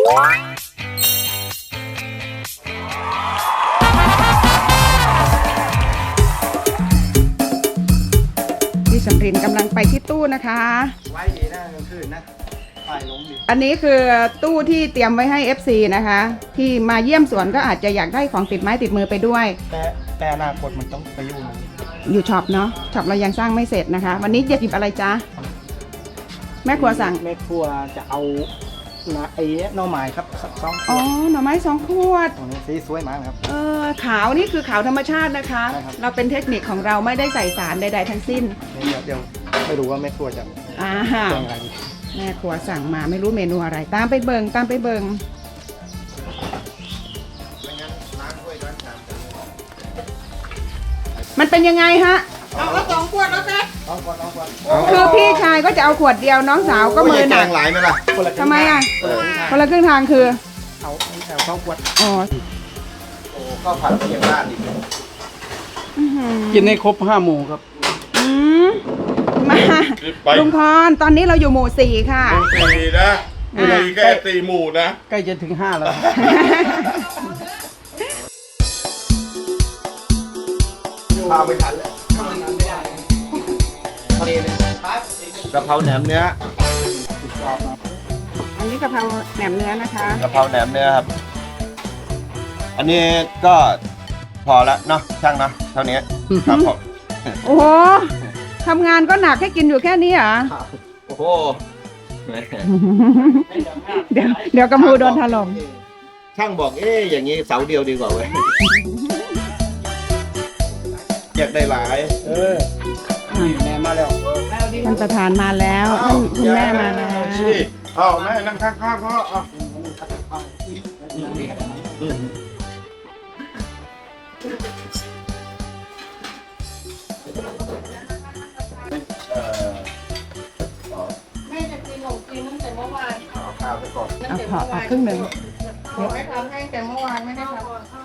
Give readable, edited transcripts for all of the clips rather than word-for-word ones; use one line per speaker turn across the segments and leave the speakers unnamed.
พี่สำรินกำลังไปที่ตู้นะคะไว้ดีนะกลางคืนนะอันนี้คือตู้ที่เตรียมไว้ให้ FC นะคะที่มาเยี่ยมสวนก็อาจจะอยากได้ของติดไม้ติดมือไปด้วย
แต่อนาคตมันต้องไป
อยู่ช็อปเนาะช็อปเรายังสร้างไม่เสร็จนะคะวันนี้จะหยิบอะไรจ๊ะแม่ครัวสั่ง
แม่ครัวจะเอาไอ้หน่อไม้ครับ2 ขวด
อ๋อหน่อไม้2 ขวด
สีสวยมากครับ
ขาวนี่คือขาวธรรมชาตินะคะเราเป็นเทคนิคของเราไม่ได้ใส่สารใดๆทั้งสิ้น
เดี๋ยวไม่รู้ว่าแม่ครัวจะ
สั่งอะไรแม่ครัวสั่งมาไม่รู้เมนูอะไรตามไปเบิงมันเป็นยังไงฮะเอา2 ขวดแล้วกันคือพี่ชายก็จะเอาขวดเดียวน้องสาวก็มือหนัก
หลายไหมล่ะ
ทำไมอ่ะคนละครึ่งทางคือ
เอา2 ขวด
อ๋อ
ข้าวผัดเพียงราดอีกกินให้ครบ5 หมู่ครับ
มาลุงพรตอนนี้เราอยู่หมู่4ค่ะ
หมู่4นะมีแค่4 หมู่นะ
ใกล้จะถึง5แล้วพาไปทันแล้วกะเพราแหนมเนื้อ
อันนี้กะเพราแหนมเนื้อนะคะ
กะเพราแหนมเนื้อครับอันนี้ก็พอแล้วเนาะช่างเนาะเท่านี้ครับผม
โอ้โหทำงานก็หนักให้กินอยู่แค่นี้เหรอ
โอ้โห
เดี๋ยวกระมูโดนถล่ม
ช่างบอกอย่างนี้เสาเดียวดีกว่าเว้ยอยากได้หลายแม่มาแล้ว
ท่านประธานมาแล้วคุณแม่มาแล้ว
แม่นั่งข้างๆพ่อ
แม่จะกินขนมจีนตั้งแต่เมื่อวาน
เอาข้าวไปก่อน
เอาครึ่งหนึ่ง
ไม่ทำให้แต่เมื่อวานไม่ได้ทำ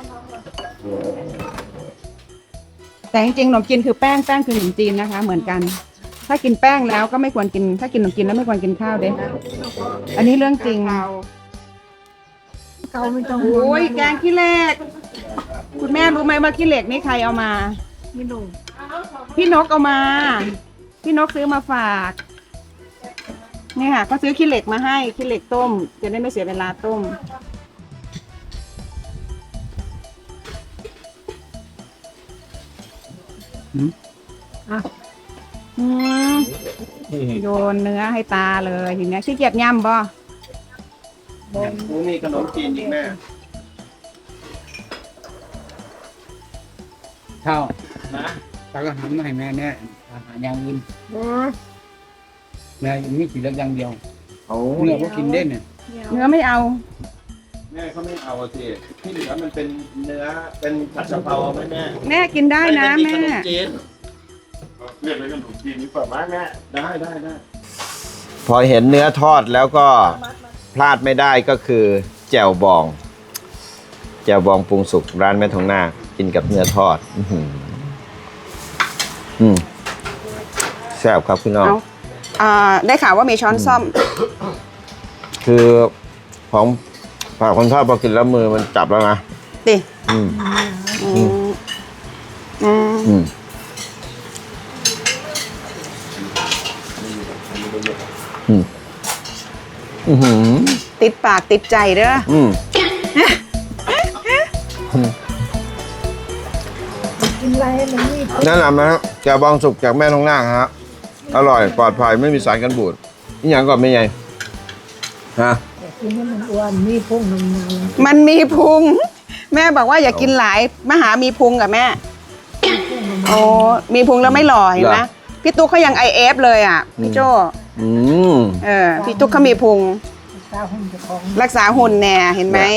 แต่จริงๆขนมจีนคือแป้งคือขนมจีนนะคะเหมือนกันถ้ากินแป้งแล้วก็ไม่ควรกินถ้ากินขนมจีนแล้วไม่ควรกินข้าวเด้อันนี้เรื่องจริง
เกาไม่ต้อง
โอ้ยแกงขี้เหล็กคุณแม่รู้ไหมว่าขี้เหล็กนี่ใครเอามา
ไม่รู้
พี่นกเอามาพี่นกซื้อมาฝากนี่ค่ะก็ซื้อขี้เหล็กมาให้ขี้เหล็กต้มจะได้ไม่เสียเวลาต้มโยนเนื้อให้ตาเลยทีนี้ขี้เกียจย่ำบ่
มีขนมจีนอีกแม่ข้าวนะตาก็ทำให้แม่เนี่ยอาหารอย่างอื่นแม่ไม่กินเล็กอย่างเดียวเนื้อก็กินเด่นเนี่ย
เนื้อไม่เอา
แม่เขาไม่เอาสิที่เหลือมันเป็นเนื้อเป็นผัดกะเพราไหม
แม่กินได้นะแม่
เรียกอะไรขนมจีนนี่เปิดมาแม่
ได้พอเห็นเนื้อทอดแล้วก็พลาดไม่ได้ก็คือแจ่วบองปรุงสุกร้านแม่ทองนาคกินกับเนื้อทอดแซ่บครับพี่น้อง
ได้ข่าวว่ามีช้อนซ่อม
คือของฝากคนชอบพอกินแล้วมือมันจับแล้วนะ
ดิติดปากติดใจเด้อ
แนะนำนะครับแจ่วบองสุกจากแม่ทองนาคฮะอร่อยปลอดภัยไม่มีสารกันบูดนี่อย่างก่อนไม่ใหญ่ฮะ
มันมีพุงแม่บอกว่าอย่ากินหลายมหามีพุงกับแม่โอ้มีพุงแล้วไม่หล่อเห็นไหมพี่ตุ๊กเขายังIFเลยอ่ะพี่โจ้พี่ตุ๊กเขามีพุงรักษาหุ่นแน่เห็นไหม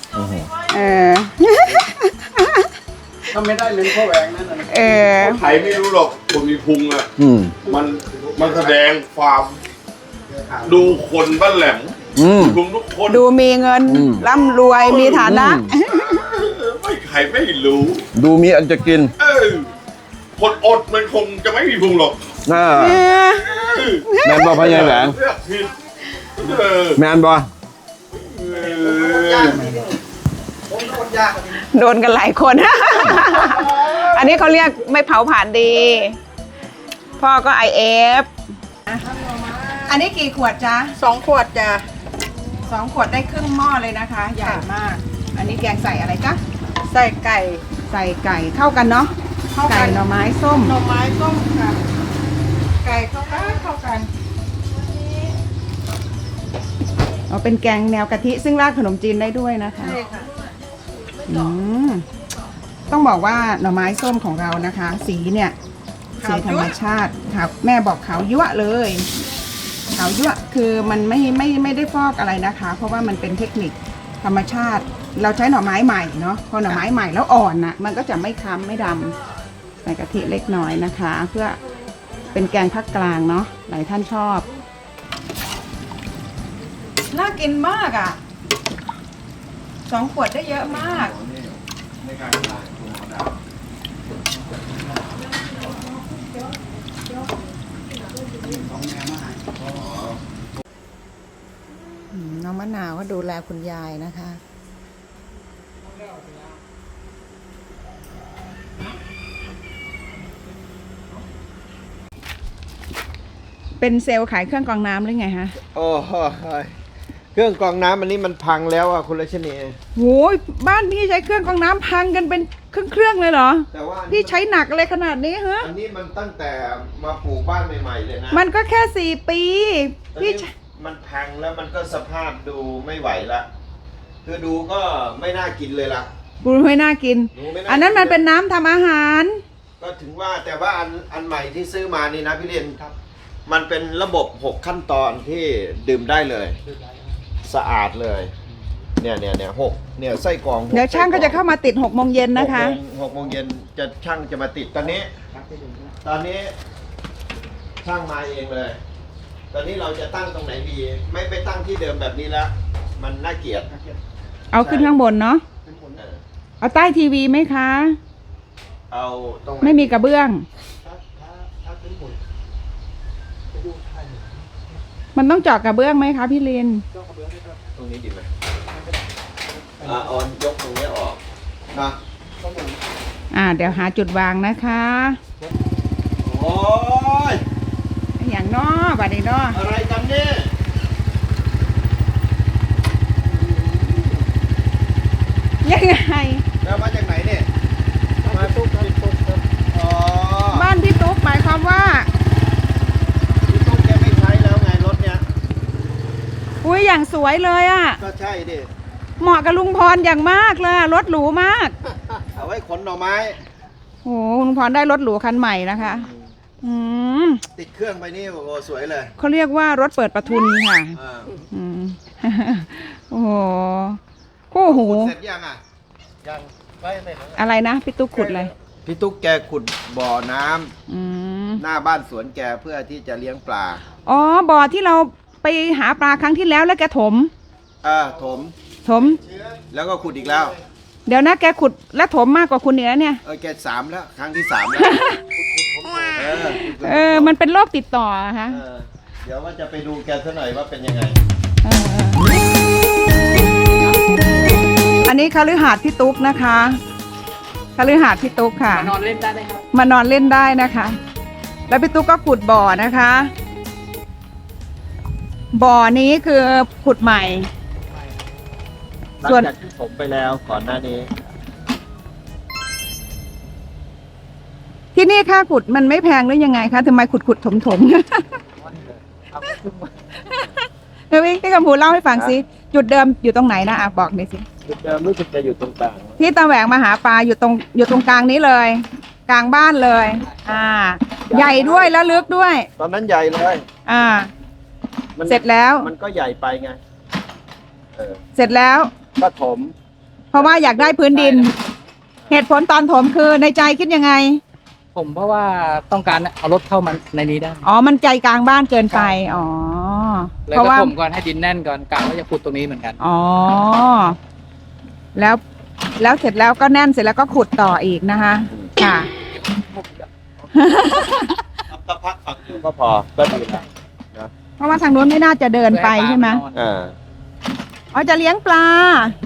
ถ้าไม่ได้เป็นข้าวแหวงนั่น
ใครไม่รู้หรอกคนมีพุงอ่ะมันแสดงความดูคนบ้านแหลมพุงทุกคน
ดูมีเงินร่ำรวยมีฐานะ
ไม่ใครไม่รู้
ดูมีอันจะกิน
คนอดมันคงจะไม่มีพุงหรอก
แมนบอพญาแหลงแมนบอ
โดนกันหลายคน อันนี้เขาเรียกไม่เผาผ่านดี พ่อก็ IF อันนี้กี่ขวดจ๊ะ
2 ขวดจ้ะ
2 ขวดได้ครึ่งหม้อเลยนะคะ ใหญ่มาก อันนี้แกงใส่อะไรจ๊ะ
ใส่ไก่
ใส่ไก่เข้ากันเนาะ
เข้ากัน
ไก่หน่อไม้ส้ม
หน่อไม้ต้มค่ะ ไก่เข้ากัน
เอาเป็นแกงแนวกะทิซึ่งราดขนมจีนได้ด้วยนะคะ
ใช่ค่ะ
อืมต้องบอกว่าหน่อไม้ส้มของเรานะคะ สีเนี่ยสี
ขาว
ธร
ยั่
ร
ว
มชาติครับแม่บอกขาวยั่วเลยขาวยั่วคือมันไม่ได้ฟอกอะไรนะคะ เพราะว่ามันเป็นเทคนิคธรรมชาติ เราใช้หน่อไม้ใหม่เนาะพอหน่อไม้ใหม่แล้วอ่อนน่ะมันก็จะไม่ค้ำไม่ดำใส่กะทิเล็กน้อยนะคะ เพื่อเป็นแกงภาคกลางเนาะหลายท่านชอบน่ากินมากอ่ะ2 ขวดได้เยอะมาก น้องมะนาวก็ดูแลคุณยายนะคะ เป็นเซลล์ขายเครื่องกรองน้ำหรือไงฮะ
โอ้โหเครื่องกรองน้ำอันนี้มันพังแล้วอ่ะคุณรัชนี
โหยบ้านพี่ใช้เครื่องกรองน้ำพังกันเป็นเครื่องเลยเหรอ
แต่ว่า
พี่ใช้หนักอะไรขนาดนี้ฮะ
อันนี้มันตั้งแต่มาปลูกบ้านใหม่ๆเลยนะ
มันก็แค่4 ปี
ตอน
พี่
นี้มันพังแล้วมันก็สภาพดูไม่ไหวละคือดูก็ไม่น่ากินเลยล่ะ
บูไม่น่ากิน
ดูไม่า
อันนั้นมันเป็นน้ำทำอาหาร
ก็ถึงว่าแต่ว่าอันใหม่ที่ซื้อมานี่นะพี่เรียนครับ มันเป็นระบบ 6 ขั้นตอนที่ดื่มได้เลย สะอาดเลย เนี่ย6เนี่ยไส้กรอง6
เดี๋ยวช่างก็จะเข้ามาติด6 โมงเย็นนะคะ
6 โมงเย็นจะช่างจะมาติดตอนนี้ช่างมาเองเลย ตอนนี้เราจะตั้งตรงไหนดี ไม่ไปตั้งที่เดิมแบบนี้แล้วมันน่าเกลียด
เอาขึ้นข้างบนเนาะ
เออ
เอาใต้ทีวีไหมคะ
เอาตรงหน
ไม่มีกระเบื้อง มันต้องเจาะกระเบื้องไหมคะพี่ลิน
ตรงนี้ดีไหมเอายกตรงนี้ออกนะ
เดี๋ยวหาจุดวางนะคะ
โอ้ย
อย่างนอบัดนี้นอ
อะไรกันเนี่ย
ยังไง
แล้วมาจากไหนเนี่ยมาตุ๊กครับอ๋อ
บ้านพี่ตุ๊กหมายความว่า
พี่ตุ๊กแกไม่ใช้แล้วไงรถเนี้ย
อุ้ยอย่างสวยเลยอะ
ก็ใช่ดิ
เหมาะกับลุงพรอย่างมากเลยอะรถหรูมาก
เอาไว้ขนหน่อไม้
โอ้โหลุงพรได้รถหรูคันใหม่นะคะ อืม
ติดเครื่องไปนี่โอ้โหสวยเลย
เขาเรียกว่ารถเปิดประทุนค่ะ
อ่า
อืม โอ้โหคู่หู
เสร็จยังอ่ะยังไม่
อะไรนะพี่ตุ๊กขุดอะไร
พี่ตุ๊กแกขุดบ่อน้ำ
อืม
หน้าบ้านสวนแกเพื่อที่จะเลี้ยงปลา
อ๋อบ่อที่เราไปหาปลาครั้งที่แล้วแล้วแกถม
ถม
ถม
แล้วก็ขุดอีกแล้ว
เดี๋ยวนะแกขุดและถมมากกว่าคุณเหนือเนี่ย
แก3แล้ว ครั้งที่3แล้ว
มันเป็นโรคติดต่ออะฮะ
เดี๋ยวว่าจะไปดูแกซะหน่อยว่าเป็นยังไง
อันนี้คฤหาสน์พี่ตุ๊กนะคะคฤหาสน์พี่ตุ๊กค่ะ
มานอนเล่นได้ไหมครับ
มานอนเล่นได้นะคะ แล้วพี่ตุ๊กก็ขุดบ่อนะคะ บ่อนี้คือขุดใหม่ ส่วน
หลังจากที่ผมไปแล้วก่อนหน้านี้
ที่นี่ค่าขุดมันไม่แพงหรือยังไงคะทำไมขุดถมเฮ้ยพี่กำพูเล่าให้ฟังสิจุดเดิมอยู่ตรงไหนนะบอกหน่อยสิ
จุดเดิมรู้สึกจะอยู่ตรงกลาง
ที่ตาแหวงมาหาปลาอยู่ตรงกลางนี้เลย กลางบ้านเลย ใหญ่ด้วยแล้วลึกด้วย
ตอนนั้นใหญ่เลยมัน
เสร็จแล้ว
มันก็ใหญ่ไปไง
เสร็จแล้ว
ก็ถม
เพราะว่าอยากได้พื้นดิน เหตุผลตอนถมคือในใจคิดยังไง
ผมเพราะว่าต้องการเอารถเข้ามาในนี้ได้
อ๋อมันใจกลางบ้านเกินไปอ๋อ
เลย
เพราะ
ก็
ว่า
ผมก่อนให้ดินแน่นก่อนกะว่าจะขุดตรงนี้เหมือนกัน
อ๋อแล้วเสร็จแล้วก็แน่นเสร็จแล้วก็ขุดต่ออีกนะคะ ค่ะ
สักพักฝักก็พอก็ดีแล้ว
เพราะว่าทางนู้นไม่น่าจะเดินไปใช่ไหม
เพื่อให้ปลานอน
อ๋อจะเลี้ยงปลา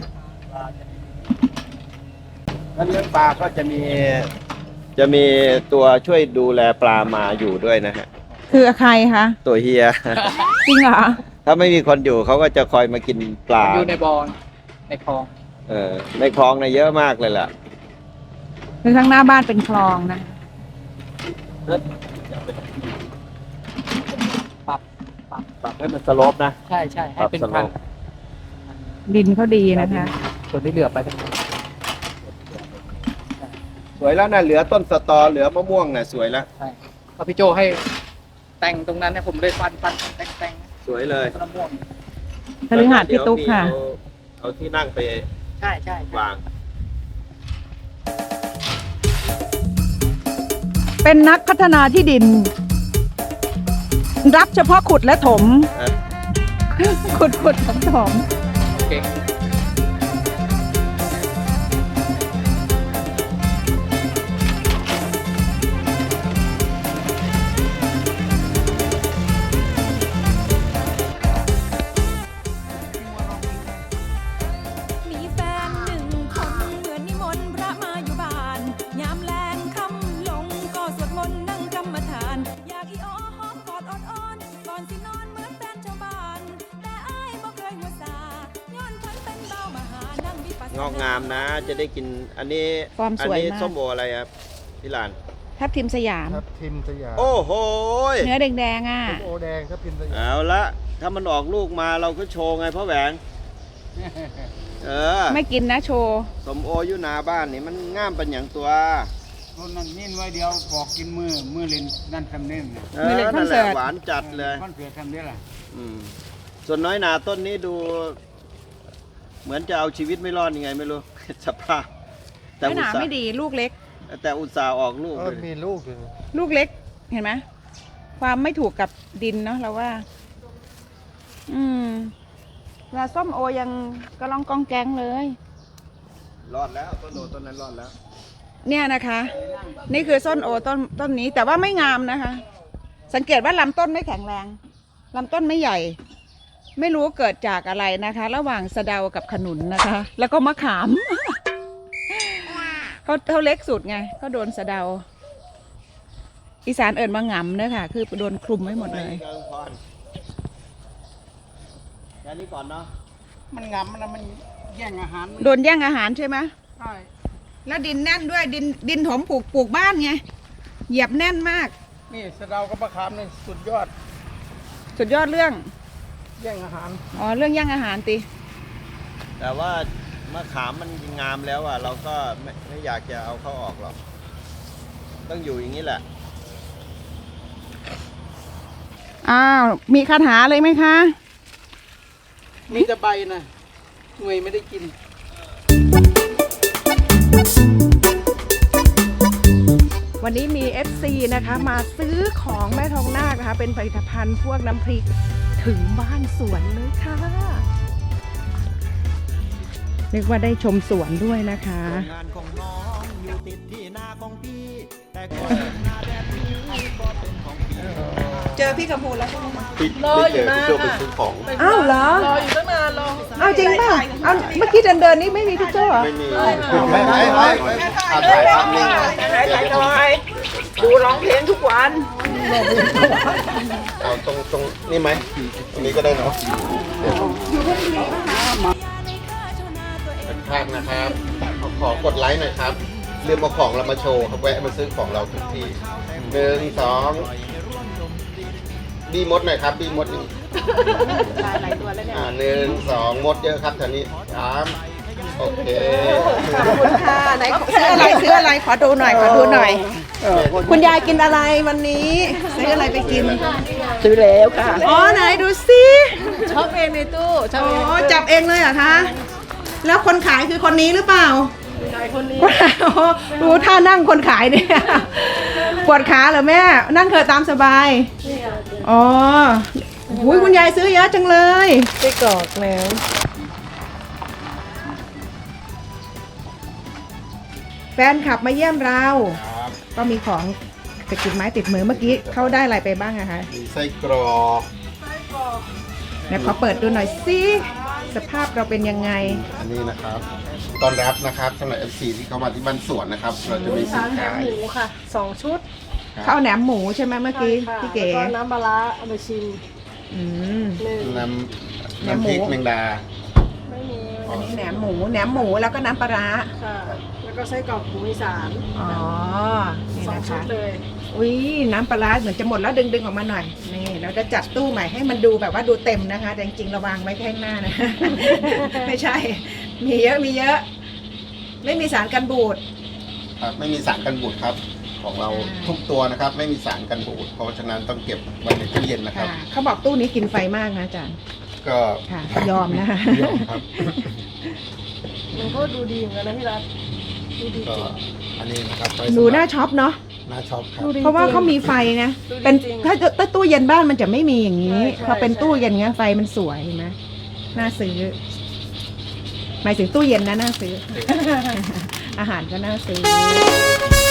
แล้วเลี้ยงปลาก็จะมีตัวช่วยดูแลปลามาอยู่ด้วยนะฮะ
คือใครคะ
ตัวเฮีย
จริงเหรอ
ถ้าไม่มีคนอยู่เขาก็จะคอยมากินปลา
อยู่ในบ่อในคลอง
ในคลองเยอะมากเลยล่ะ
คือข้างหน้าบ้านเป็นคลองนะ
ปรับ
ปรับให้มันสโลปนะ
ใช่ใช่ให้เป็น
ปรับสโล
พัน
ป
ดินเขาดีนะคะ
ส่วนที่เหลือไปทั้งหมด
สวยแล้วนะเหลือต้นสตอเหลือมะม่วงน่ะสวยแล้ว
ใช่ก็พี่โจให้แต่งตรงนั้นเนี่ยผมเลยฟันแต่ง
สวยเลย
ต้นมะม่วง
พฤหัสพี่ตุ๊กค่ะ
เอาที่นั่งไป
ใช่ใช่
วาง
เป็นนักพัฒนาที่ดิน รับเฉพาะขุดและถม ขุดถม
เก่ง
มีแฟนหนึ่งคนเหมือนนิมนต์พระมาอยู่บ้าน ยามแลงค่ำลงก็สวดมนต์นั่งกรรมฐาน อยากอีอ้อหอมกอดอ่อนๆก่อนสินอนเหมือนแฟนชาวบ้าน แต่อ้ายบ่เคยหัวซาย้อนฉันเป็นเบามหานั่งวิปัสสนาง
อกงามนะ จะได้กินอันนี้
ฟอร์ม
อั
สวย
นี้
มาก
ส้มโออะไรครับพี่หลาน
ทับทิมสยาม
ครับทิมสยาม
โอ้โหย
เนื้อแดงๆอ่ะ
โอแดงครับทิมสยาม
เอาละถ้ามันออกลูกมาเราก็โชว์ไงพ่อแหวง
ไม่กินนะโชว์
สมโออยู่หนาบ้านนี่มันง่ามเป็นอย่างตัว
คนนั้นนิ่นไว้เดียวบอกกินมือเล่นนั่นทำเน่นน่ะ
ไม่เลยคอน
นั่นแห
เสิ
ละ
ร์ต
หวานจัดเลย
คอนเสิร์ตทำได้ล่ะ
อืมส่วนน้อยหนาต้นนี้ดู เหมือนจะเอาชีวิตไม่รอดยังไงไม่รู้ สภาพ แต่
ไม่ห
อุต
นา
ส่า
ไม่
ห์
ดีลูกเล็ก
แต่อุตส่าห์ออกลูก
ก็
เลย
มีลูกอยู่
ลูกเล็กเห็นไหมความไม่ถูกกับดินเนาะเราว่า แล้วส้มโอยังกระลองกองแกงเลย
รอดแล้วต้นโอต้นนั้นรอดแล้ว
เนี่ยนะคะ นี่คือส้นโอต้นนี้แต่ว่าไม่งามนะคะ สังเกตว่าลำต้นไม่แข็งแรงลำต้นไม่ใหญ่ ไม่รู้เกิดจากอะไรนะคะ ระหว่างสะเดากับขนุนนะคะ แล้วก็มะขาม เขาเล็กสุดไงก็โดนสะเดา อีสานเอิญมางำเนอะค่ะ คือโดนคลุมไว้หมดเลย
แค่นี้ก่อนเนาะ
มันงำมันแย่งอาหาร
โดนแย่งอาหารใช่ไหม
ใช่
แล้วดินแน่นด้วยดินถมปลูกบ้านไงเหยียบแน่นมาก
นี่สะเดากับมะขามนี่สุดยอด
สุดยอดเรื่อง
แย่งอาหาร
อ๋อเรื่องแย่งอาหารติ
แต่ว่ามะขามมันงามแล้วอ่ะ เราก็ไม่อยากจะเอาเข้าออกหรอก ต้องอยู่อย่างนี้แหละ
อ้าวมีคาถาเลยไหมคะ
มีแต่ใบนะหน่วยไม่ได้กิน
วันนี้มี FC นะคะมาซื้อของแม่ทองนาคนะคะเป็นผลิตภัณฑ์พวกน้ำพริกถึงบ้านสวนเลยค่ะเรียกว่าได้ชมสวนด้วยนะคะ
งานของน้องอยู่ติดที่นาของพี่ แต่ก็นาแบบนี้ก็เป็นของพี่
เจอพี่กำพูแล้วใช่ไหมคะ
รออยู่นะพี่โจไปซื้อของ
อ้าวเหรอรออยู่ตั้งนานรอเอาจริงป่ะเอาเมื่อกี้เดินนี่ไม่มีพี่โจ้เหรอ
ไม่มีไม่เอาถ่ายภาพนิ่ง
ถ่ายหน่อยดูร้องเพลงทุกวัน
เอาตรงนี่ไหมตรงนี้ก็ได้เนาะเป็นภาพนะครับขอกดไลค์หน่อยครับลืมเอาของเรามาโชว์ครับแวะมาซื้อของเราทุกที1 2บีมดหน่อยครับบีมดนี่หลายตัวแล้วเนี่ย1 2มดเยอะครับแถวนี้3โอเค
ขอบคุณค่ะไหนซื้ออะไรขอดูหน่อยคุณยายกินอะไรวันนี้ซื้ออะไรไปกิน
ซื้อแล้วค่ะ
อ๋อไหนดูสิ
ชอบเองในตู้ชอบ
อ๋
เอง
อจับเองเลยเหรอคะแล้วคนขายคือคนนี้หรือเปล่า
คนนี้
ดูท่านั่งคนขายเนี่ยปวดขาเหรอแม่นั่งเถอะตามสบายอ๋ออุ้ยคุณยายซื้อเยอะจังเลย
ไปกรอกแล้ว
แฟนขับมาเยี่ยมเราก็มีของจะกินไม้ติดมือเมื่อกี้เขาได้อะไรไปบ้างอะคะ
มีไส้กรอก
เดี๋ยวขอเปิดดูหน่อยสิสภาพเราเป็นยังไง
อันนี้นะครับตอนรับนะครับสำหรับ FC ที่เข้ามาที่บ้านสวนนะครับ เราจะมีสินค้า
หมูค่ะ2 ชุด
ข้าวแหนมหมูใช่ไหมเมื่อกี้
ใช่ค่ะ
พี่เก๋
แล้วก็น้ำปลาร้าเอาไปชิม
อืม
1
น้
แหนมหมู
ำพริกแมงดา
ไม่มี
อันนี้แหนมหมูแล้วก็น้ำปลาร้า
ค่ะ แล้วก็ไส้กรอกหมูอีสาน
อ๋อ นี่นะ
2 ชุ
คะ
ดเลย
อุ้ยน้ำปลาร้าเหมือนจะหมดแล้วดึงออกมาหน่อย นี่เราจะจัดตู้ใหม่ให้มันดูแบบว่าดูเต็มนะคะ แต่จริงๆเราวางไว้แค่ข้างหน้านะ ไม่ใช่ มีเยอะ ไม่มีสารกันบูด
ครับไม่มีสารกันบูดครับ ของเรา
ใช่
ทุกตัวนะครับ ไม่มีสารกันบูดเพราะฉะนั้นต้องเก็บไว้ในตู้เย็นนะครับ
ค่ะเขาบอกตู้นี้กินไฟมากนะอาจารย์
ก็
ค่ะ ยอมนะคะ
ยอมครับ
มันก็ดูดีเหมือนกันนะพี่รัฐดูดี
ก็
จริง
อันนี้นะครับไว้
หนู
สำรับ
น่าช็อปเนาะ
น่าชอบครับ
ดูดี
เพราะว่าเขามีไฟนะ
ดูดี
เป็น
จริง
ถ้าตู้เย็นบ้านมันจะไม่มีอย่างนี้
ใช่
พอเป็น
ใช่
ตู้เย็นเงี้ยไฟมันสวยเห็นไหมน่าซื้อ หมายถึงตู้เย็นนะน่าซื้อ อาหารก็น่าซื้อ